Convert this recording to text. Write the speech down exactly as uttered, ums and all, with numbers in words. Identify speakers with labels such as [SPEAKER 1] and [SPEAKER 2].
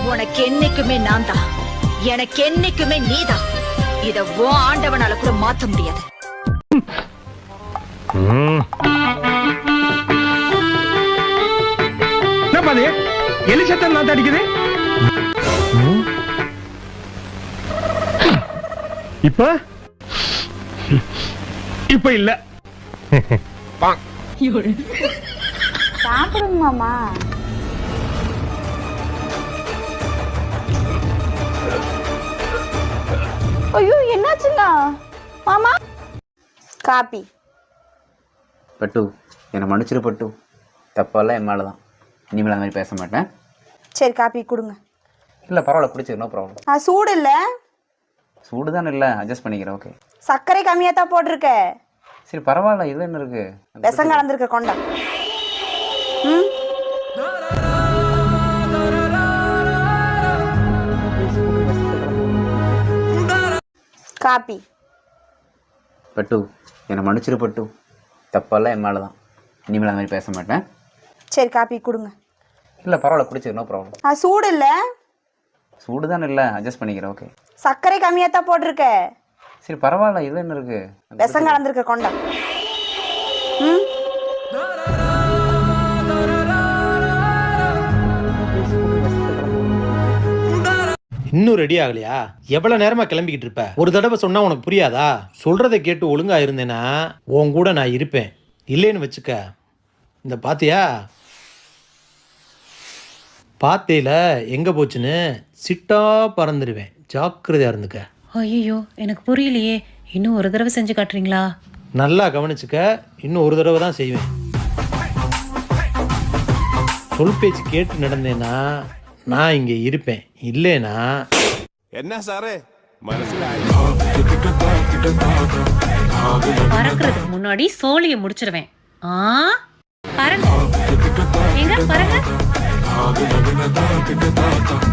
[SPEAKER 1] உனக்கு என்னைக்குமே நான் தான், எனக்கு என்னைக்குமே நீதான். இத ஓ ஆண்டவனால கூட மாத்த முடியாது.
[SPEAKER 2] எலிசத்தம் நான் அடிக்குது. இப்ப இப்ப இல்ல.
[SPEAKER 3] சாப்பிடுங்க மாமா. ஐயோ என்னாச்சுங்க மாமா? காப்பி.
[SPEAKER 4] பட்டு என்னை மன்னிச்சிரு பட்டு, தப்பெல்லாம் என் மேலே தான். இனிமேல் அந்த மாதிரி பேச மாட்டேன்.
[SPEAKER 3] சரி காப்பி கொடுங்க.
[SPEAKER 4] இல்லை பரவாயில்ல, பிடிச்சிரு, நோ ப்ராப்ளம்.
[SPEAKER 3] ஆ சூடு இல்லை.
[SPEAKER 4] சூடு தானே, இல்லை அட்ஜஸ்ட் பண்ணிக்கிறேன். ஓகே.
[SPEAKER 3] சர்க்கரை கம்மியாக தான் போட்டிருக்க.
[SPEAKER 4] சரி பரவாயில்ல, இதில் என்ன இருக்கு?
[SPEAKER 3] விஷம் கலந்துருக்க கொண்டா. ம் காப்பி.
[SPEAKER 4] பட்டு என்னை மன்னிச்சிரு பட்டு, தப்பெல்லாம் என் மேலே தான். இனிமேல் அந்த மாதிரி பேச மாட்டேன்.
[SPEAKER 3] சரி காப்பி கொடுங்க.
[SPEAKER 4] இல்லை பரவாயில்ல, பிடிச்சிரு, நோ ப்ராப்ளம்.
[SPEAKER 3] ஆ சூடு இல்லை.
[SPEAKER 4] சூடு தானே, இல்லை அட்ஜஸ்ட் பண்ணிக்கிறேன். ஓகே.
[SPEAKER 3] சர்க்கரை கம்மியாக தான் போட்டிருக்க.
[SPEAKER 4] சரி பரவாயில்ல, இதில் என்ன இருக்கு?
[SPEAKER 3] விஷம் கலந்துருக்க கொண்டா. ம்
[SPEAKER 5] இன்னும் ரெடி ஆகலையா? எவ்வளவு நேரமா கிளம்பிக்கிட்டு இருப்ப? ஒரு தடவை சொன்னா உனக்கு புரியாதா? சொல்றதை கேட்டு ஒழுங்கா இருந்தேன்னா உன் கூட நான் இருப்பேன். இல்லைன்னு வச்சுக்க, இந்த பாத்தியா பாத்தையில எங்க போச்சுன்னு சிட்டா பறந்துடுவேன். ஜாக்கிரதையா இருந்துக்க.
[SPEAKER 6] ஐயோ எனக்கு புரியலையே, இன்னும் ஒரு தடவை செஞ்சு காட்டுறீங்களா?
[SPEAKER 5] நல்லா கவனிச்சுக்க, இன்னும் ஒரு தடவை தான் செய்வேன். சொல் பேச்சு கேட்டு நடந்தேன்னா நான் இங்க இருப்பேன். இல்லைனா
[SPEAKER 7] என்ன சாரு மனசுல
[SPEAKER 6] பறக்கிறதுக்கு முன்னாடி சோழியை முடிச்சிருவேன். ஆ பறங்க, எங்க பறங்க.